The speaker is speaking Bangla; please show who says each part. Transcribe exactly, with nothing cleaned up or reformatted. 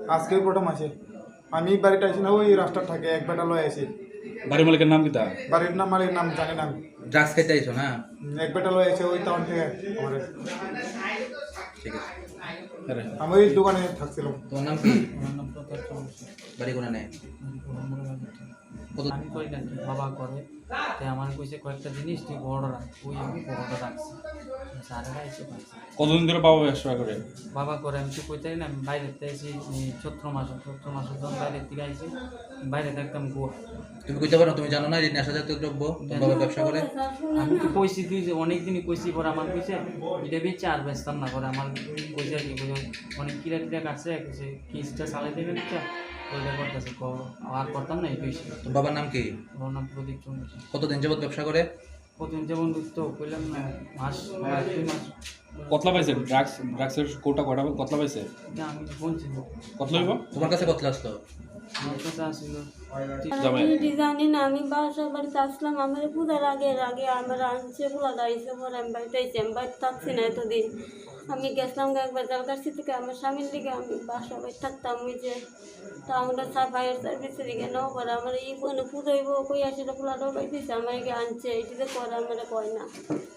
Speaker 1: আজকে প্রথম আছে। আমি বাড়িতে আছি না, ওই রাস্তার থাকে এক বেটা লয়ে আছি।
Speaker 2: বাড়ির মালিকের নাম কি তা?
Speaker 1: বাড়ির নাম মালির নাম জানি না আমি।
Speaker 3: ড্রাগস খাইতে আইছো না?
Speaker 1: এক বেটা লয়ে আছে ওই টাউন থেকে আমাদের।
Speaker 3: ঠিক আছে।
Speaker 2: আরে
Speaker 1: আমি ওই দোকানে থাকছিলাম।
Speaker 3: তোমার নাম কি?
Speaker 4: আমার নাম প্রতাপ চৌধুরী।
Speaker 3: বাড়ি কোনে নেই? কত
Speaker 4: আমি করি না কি বাবা করে, তাই আমার কইছে কয়েকটা জিনিস তুই বড় রাখ, ওই আমি বড়টা রাখছি। স্যারেরা এসে পাইছে
Speaker 2: কতদিন ধরে বাবা ব্যবসা করে?
Speaker 4: বাবা করে, আমি তো কইতে না, আমি বাইরে থেকে এসে চৈত্র মাস চৈত্র মাসের যখন বাইরের থেকে আইসি, বাইরে থাকতাম গোয়া।
Speaker 3: তুমি কইতে পারো তুমি জানো না যে নেশা জাতীয় দ্রব্য তোমার বাবা ব্যবসা করে?
Speaker 4: আমি তো কইছি তুই যে অনেকদিনই কইছি, পরে আমার কইছে এটা বেচে আর বেচতাম না, করে আমার কইছে আর কি অনেক কিরা টিরা কাটছে, কইছে কিসটা চালাই দেবেন তো ওইটা করতেছে, আর করতাম না এই কইছি।
Speaker 3: তোমার বাবার নাম কি?
Speaker 4: ওর নাম প্রদীপ চৌধুরী।
Speaker 3: কতদিন যাবত ব্যবসা করে?
Speaker 4: প্রথম যেমন তো কইলাম না, মাস দুই মাস।
Speaker 2: কতলা পাইছে? ড্রাগস ড্রাগসের কোটা কটা কতলা পাইছে?
Speaker 4: না আমি বলছি না,
Speaker 2: কতলা হইব?
Speaker 3: তোমার কাছে কত আসলো?
Speaker 4: আমার কাছে আসছিল
Speaker 2: জামাই
Speaker 5: আমি জানি না, আমি বাসা বাড়িতে আসলাম, আমার পূজার আগে আগে আমার আনছে পোলা দাঁড়িয়েছে, পরে আমি বাড়িতে আইছি, আমি বাড়িতে থাকছি না এতদিন। আমি গেছিলাম একবার জালকাশি থেকে আমার স্বামীর দিকে, আমি বাসা বাড়ি থাকতাম ওই যে টাউনের ফায়ার সার্ভিসের দিকে নেওয়া পরে আমার এই পুজো হইব কই আসলে পোলাটাও পাইতেছে, আমার আনছে এটিতে করে আমার কয় না।